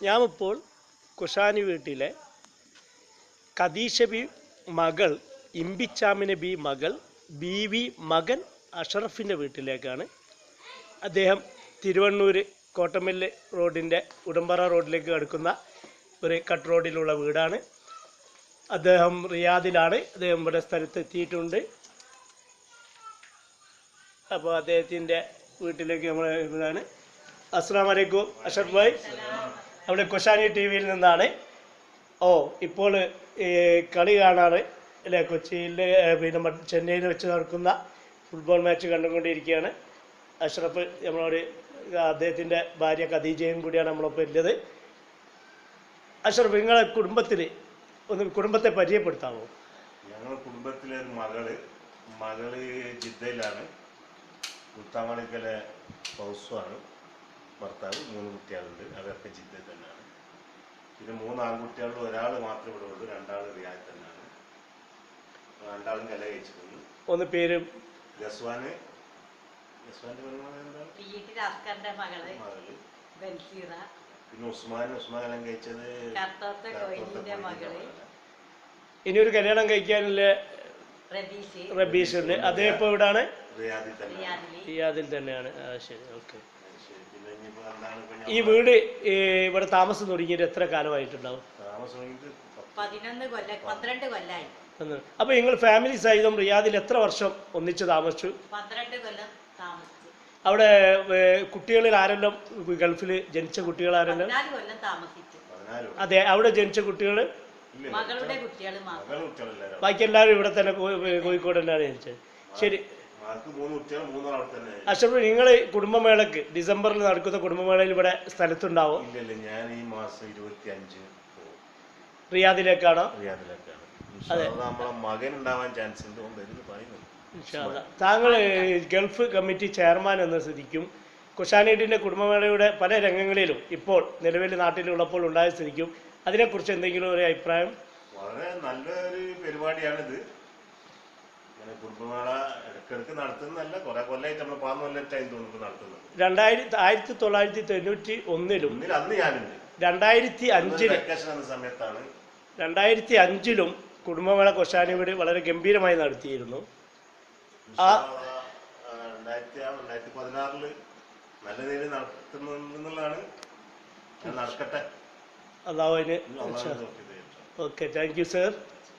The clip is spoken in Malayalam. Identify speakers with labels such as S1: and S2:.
S1: ഞാനിപ്പോൾ കുഷാനി വീട്ടിലെ ഖദീഷ ബി മകൾ ഇമ്പിച്ചാമിന ബി മകൾ ബീവി മകൻ അഷറഫിൻ്റെ വീട്ടിലേക്കാണ്. അദ്ദേഹം തിരുവണ്ണൂർ കോട്ടമില്ല് റോഡിൻ്റെ ഉടമ്പറ റോഡിലേക്ക് കടക്കുന്ന ഒരു കട്ട് റോഡിലുള്ള വീടാണ്. അദ്ദേഹം റിയാദിലാണ്. അദ്ദേഹം ഇവിടെ സ്ഥലത്തെത്തിയിട്ടുണ്ട്. അപ്പോൾ അദ്ദേഹത്തിൻ്റെ വീട്ടിലേക്ക് നമ്മൾ ഇവിടെയാണ്. അസ്സലാമു അലൈക്കും അഷറഫ് ഭായ്, അവിടെ കുഷാനി ടി വിയിൽ നിന്നാണ്. ഇപ്പോൾ കളി കാണാറ് അല്ലേ? കൊച്ചിയിൽ പിന്നെ ചെന്നൈയിൽ വെച്ച് നടക്കുന്ന ഫുട്ബോൾ മാച്ച് കണ്ടുകൊണ്ടിരിക്കുകയാണ്. അഷ്റഫ് നമ്മളോട് അദ്ദേഹത്തിൻ്റെ ഭാര്യ ഖദീജയും കൂടിയാണ് നമ്മളൊപ്പം ഉള്ളത്. അഷ്റഫ്, നിങ്ങളെ കുടുംബത്തെ പരിചയപ്പെടുത്താമോ?
S2: ഞങ്ങളുടെ കുടുംബത്തിലെ ഒരു മകള് ജിദ്ദയിലാണ്. കുത്താമളിക്കലെ ഹൗസുമാണ്. ഭർത്താവ് 3 കുട്ടികളുണ്ട്. അവരൊക്കെ ജിദ്ദയിൽ തന്നെയാണ്. പിന്നെ 3 ആൺകുട്ടികളിൽ ഒരാൾ മാത്രമേ ഇവിടെ ഉള്ളൂ. 2 ആൾ റിയാദിൽ തന്നെയാണ്. 2 ആളും കല കഴിച്ചിട്ടുണ്ട്.
S1: ഒന്ന് പേര്
S2: ഗസ്വാന്റെ പിന്നെ ഉസ്മാൻ കല്യാണം കഴിച്ചത്.
S1: ഇനിയൊരു കല്യാണം കഴിക്കാനുള്ള റബീഷ് ഉണ്ട്. അതേ ഇപ്പോൾ ഇവിടാണ്, റിയാദിൽ തന്നെയാണ്. ശരി, ഓക്കെ. ഈ വീട് ഇവിടെ താമസം തുടങ്ങിയിട്ട് എത്ര കാലമായിട്ടുണ്ടാവും? അപ്പൊ നിങ്ങൾ ഫാമിലി സഹിതം റിയാദിൽ എത്ര വർഷം ഒന്നിച്ച് താമസിച്ചു?
S3: 12 കൊല്ലം താമസിച്ചു.
S1: അവിടെ കുട്ടികളിൽ ആരെല്ലാം ഗൾഫിൽ ജനിച്ച കുട്ടികൾ ആരെല്ലാം?
S3: 14 കൊല്ലം താമസിച്ചു.
S1: അതെ, അവിടെ ജനിച്ച കുട്ടികൾ
S3: മകളുടെ കുട്ടികൾ
S1: ബാക്കി എല്ലാവരും ഇവിടെ തന്നെ കോഴിക്കോട് തന്നെയാണ് ജനിച്ചത്. ശരി അഷ്റഫ്, നിങ്ങൾ കുടുംബമേളക്ക് ഡിസംബറിൽ നടക്കുന്ന കുടുംബമേളയിൽ ഇവിടെ സ്ഥലത്തുണ്ടാവും?
S2: ഞാൻ ഈ മാസം 25
S1: റിയാദിലേക്കാണോ?
S2: അതെ, നമ്മളെ മകൻ ഉണ്ടാവാൻ ചാൻസ് ഉണ്ട്.
S1: താങ്കൾ ഗൾഫ് കമ്മിറ്റി ചെയർമാൻ എന്ന സ്ഥിതിക്കും കുഷാനീഡിൻ്റെ കുടുംബമേളയുടെ പല രംഗങ്ങളിലും ഇപ്പോൾ നിലവിൽ നാട്ടിലുള്ളപ്പോൾ ഉണ്ടായ സ്ഥിതിക്കും അതിനെക്കുറിച്ച് എന്തെങ്കിലും ഒരു അഭിപ്രായം?
S2: വളരെ നല്ലൊരു പരിപാടിയാണിത്. കുടുംബമേള ഇടയ്ക്കിടയ്ക്ക് നടത്തുന്നതല്ല, കുറെ കൊല്ലമായിട്ട് നമ്മൾ 14 കൊല്ലത്തായി തോന്നുന്നു നടത്തുന്നത്. 1991 അന്ന് ഞാനുണ്ട്.
S1: 2005 കുടുംബമേള കുഷാനി വീട് വളരെ ഗംഭീരമായി നടത്തിയിരുന്നു.
S2: 2016 നല്ല രീതിയിൽ നടത്തുന്നുള്ളതാണ്. നടക്കട്ടെ.
S1: അല്ലാഹു. Okay, thank you sir.